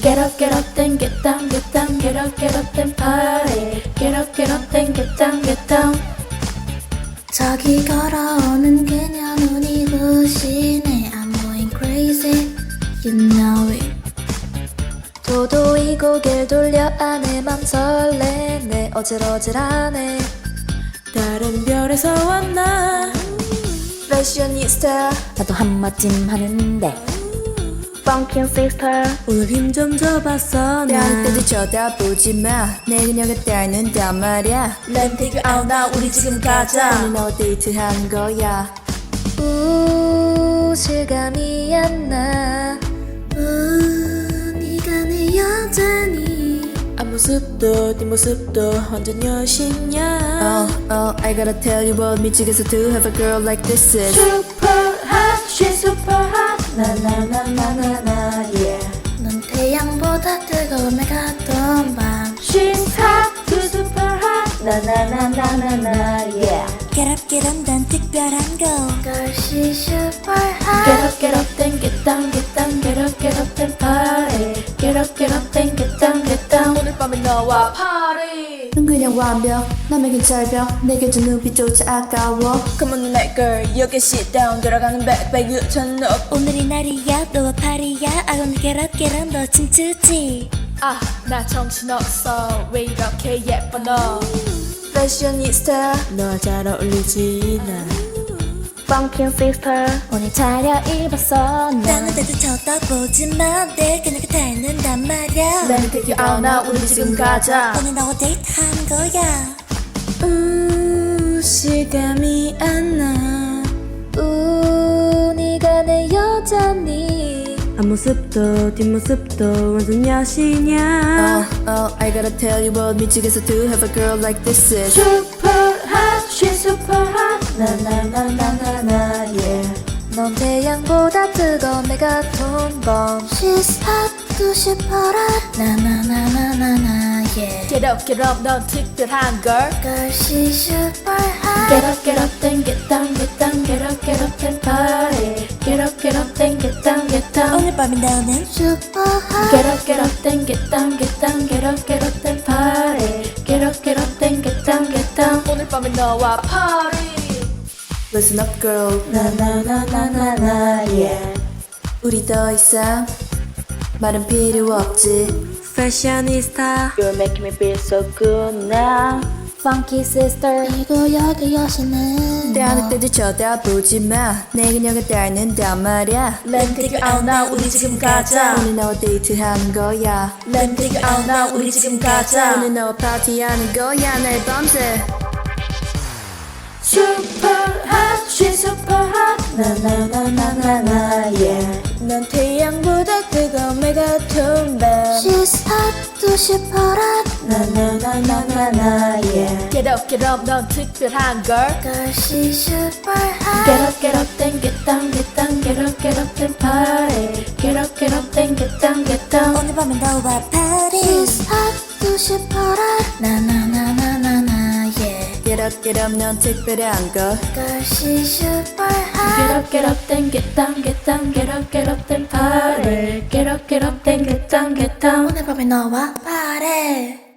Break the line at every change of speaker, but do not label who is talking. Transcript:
get up, then get down, get up, then party. Get up, then get down.
저기 걸어오는 그녀 눈이 부시네. I'm going crazy, you know it.
도도히 고개를 돌려 안에 맘 설레네. 어질어질하네. 다른 별에서 왔나. 패셔니스타
나도 한마쯤 하는데.
Funkin' sister
오늘 힘 좀 줘봤어
뺨
나.
때도 쳐다보지 마. 내 그녀가 따는단 말이야. Let me take you out now. 우리 지금 가자. 오늘 너 데이트한 거야. 실감이 안 나.
네가 내 여자니.
앞모습도 뒷모습도 완전 여신이야. I gotta tell you what 미치겠어 to have a girl like this is super hot, she's super hot. 나나나나나나 yeah.
넌 태양보다 뜨거움에 갔던 밤.
She's hot, too super hot. 나나나나나나 yeah.
Get up, 난 특별한 거. Girl, she's super hot.
Get up, then get down, get up, then party. Get up, then get down. 오늘 밤에 너와 party. 넌 그냥 완벽, 남에겐 절벽. 내게 준 눈빛조차 아까워. Come on tonight girl, 여기 sit down. 돌아가는 backpack you turn up.
오늘이 날이야, 너와 파리야. I wanna get up, 너 춤추지.
아, 나 정신없어. 왜 이렇게 예뻐 너. 패셔니스타 너와 잘 어울리지 나. Funkin' sister 오늘 차려입었어 나.
다른 데도 쳐다보지 마. 내 그녀가 닮는단 말야.
Let me take you out now. 우리 지금 가자.
오늘 너와 데이트한 거야.
실감이 안 나. 네가 내 여자니.
앞모습도 뒷모습도 완전 여신이야.
I gotta tell you what 미치겠어 to have a girl like this is super hot, she's super hot. 나나나나나나 yeah. 넌 태양보다 뜨거운 내가 돈범.
She's hot, too super hot. 나나나나나나 yeah.
Get up, 넌 특별한 girl.
Girl, she's super hot.
Get up, then get down, get up, then party. Get up, then get down.
오늘 밤에 너는 super hot.
Get up, then get down, get up, then party. Get up, then get down. 오늘 밤에 너와 party. Listen up, girl. 나나나나나나 yeah. 우리 더 이상 말은 필요 없지.
패셔니스타
You're making me feel so good now. Funky sister.
그리고 여기 여신은
대하는 때도 쳐다보지 마. 내 그녀가 따는단 말이야. Let me take you out now. 우리 지금 가자. 오늘 너와 데이트하는 거야. Let me take you out now. 우리 지금 가자. 오늘 너와 파티하는 거야. 날 밤새. Super hot, she's super hot. 나나나나나나 yeah. 넌 태양보다 뜨거운 내 같은 밤.
She's hot, too super hot.
나나나나나나 yeah. Get up, 넌 특별한 girl.
Girl, she's super hot.
Get up, then get down, get up, then party. Get up, then get down.
오늘 밤에 너와 party. She's hot, too super hot. 나나나나나나 yeah.
Get up, 넌 특별한 걸.
Girl, she's super hot.
Get up, then get down, get up, then party. Get up, then get down.
오늘 밤에 너와 party.